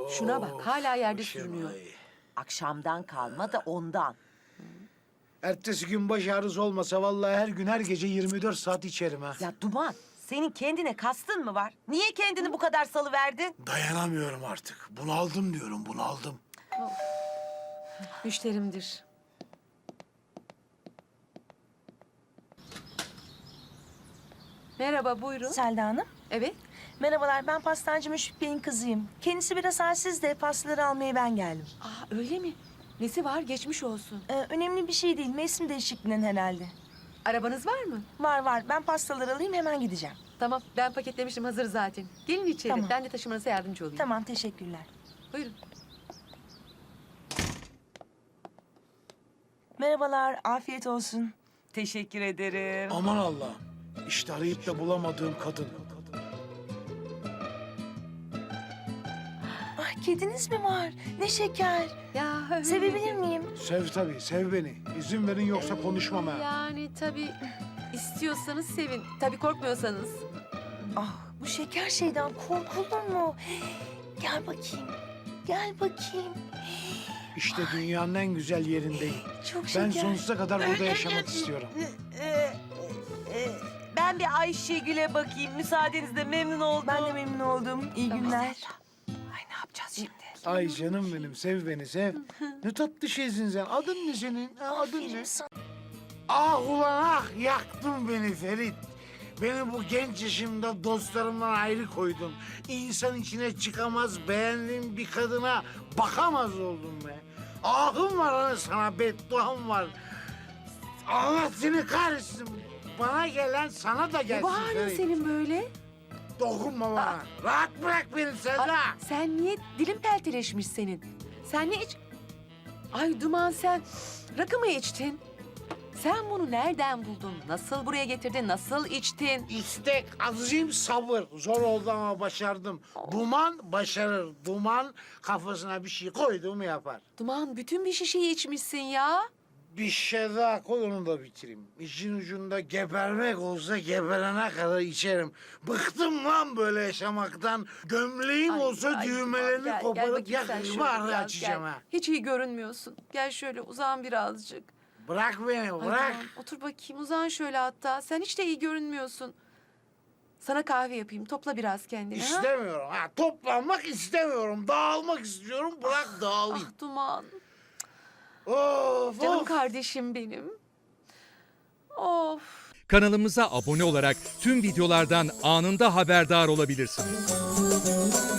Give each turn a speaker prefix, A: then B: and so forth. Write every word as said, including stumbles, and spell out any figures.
A: Şuna bak, hala yerde
B: başım
A: sürünüyor.
B: ay.
C: Akşamdan kalma da ondan.
B: Ertesi gün baş ağrısı olmasa vallahi her gün her gece yirmi dört saat içerim ha.
C: Ya Duman, senin kendine kastın mı var? Niye kendini bu kadar salıverdin?
B: Dayanamıyorum artık. Bunaldım diyorum, bunaldım.
A: Müşterimdir. Merhaba, buyurun.
D: Selda Hanım.
A: Evet.
D: Merhabalar, ben pastancı Müşfik Bey'in kızıyım. Kendisi biraz halsiz de pastaları almaya ben geldim.
A: Aa, öyle mi? Nesi var? Geçmiş olsun.
D: Ee, önemli bir şey değil, mevsim değişikliğinden herhalde.
A: Arabanız var mı?
D: Var var, ben pastaları alayım hemen gideceğim.
A: Tamam, ben paketlemiştim, hazır zaten. Gelin içeri,
D: Tamam.
A: ben de taşımanıza yardımcı olayım.
D: Tamam, teşekkürler.
A: Buyurun.
D: Merhabalar, afiyet olsun. Teşekkür ederim.
B: Aman Allah'ım. İşte arayıp da bulamadığım kadın.
D: Ah, kediniz mi var? Ne şeker.
A: Ya
D: Sevebilir miyim?
B: Sev tabii, sev beni. İzin verin yoksa konuşmam ha.
A: Yani tabii istiyorsanız sevin. Tabii korkmuyorsanız.
D: Ah, bu şeker şeyden korkulur mu? Gel bakayım, gel bakayım.
B: İşte dünyanın en güzel yerindeyim.
D: Çok
B: Ben
D: şeker.
B: sonsuza kadar burada yaşamak istiyorum.
C: Ben bir Ayşegül'e bakayım. Müsaadenizle memnun oldum.
D: Ben de memnun oldum. İyi günler.
C: Ay ne yapacağız şimdi?
B: Ay canım benim, sev beni, sev. Ne tatlı şeysin sen. Adın ne senin? Ha, adın ne?
D: Aferin sana.
B: Ah ulan ah, yaktın beni Ferit. Beni bu genç yaşımda dostlarımdan ayrı koydun. İnsan içine çıkamaz, beğendiğim bir kadına bakamaz oldum be. Ahım var hani sana, bedduam var. Allah seni kahretsin. Bana gelen sana da
A: Ne
B: gelsin
A: bu halin
B: Ferit.
A: senin böyle?
B: Dokunma bana. Rahat bırak beni Selda.
A: Aa, sen niye dilin pelteleşmiş senin? Sen ne iç... Ay Duman sen rakı mı içtin? Sen bunu nereden buldun? Nasıl buraya getirdin? Nasıl içtin?
B: İstek, azim, sabır. Zor oldu ama başardım. Duman başarır. Duman kafasına bir şey koyduğumu yapar.
A: Duman bütün bir şişeyi içmişsin ya.
B: Bir şey daha koy, onu da bitireyim. İşin ucunda gebermek olsa geberene kadar içerim. Bıktım lan böyle yaşamaktan. Gömleğim
A: Ay,
B: olsa
A: ay,
B: düğmelerini
A: Duman, gel, gel
B: koparıp
A: bakayım sen
B: yakışımı
A: şöyle
B: araya
A: biraz,
B: açacağım
A: gel.
B: ha.
A: Hiç iyi görünmüyorsun. Gel şöyle uzan birazcık.
B: Bırak beni,
A: Ay,
B: bırak.
A: Duman, otur bakayım uzan şöyle hatta. Sen hiç de iyi görünmüyorsun. Sana kahve yapayım. Topla biraz kendini. ha?
B: İstemiyorum. Ha, toplanmak istemiyorum. Dağılmak istiyorum. Bırak dağılayım.
A: Ah Duman.
B: Of,
A: Canım
B: of.
A: kardeşim benim. Of.
E: Kanalımıza abone olarak tüm videolardan anında haberdar olabilirsiniz.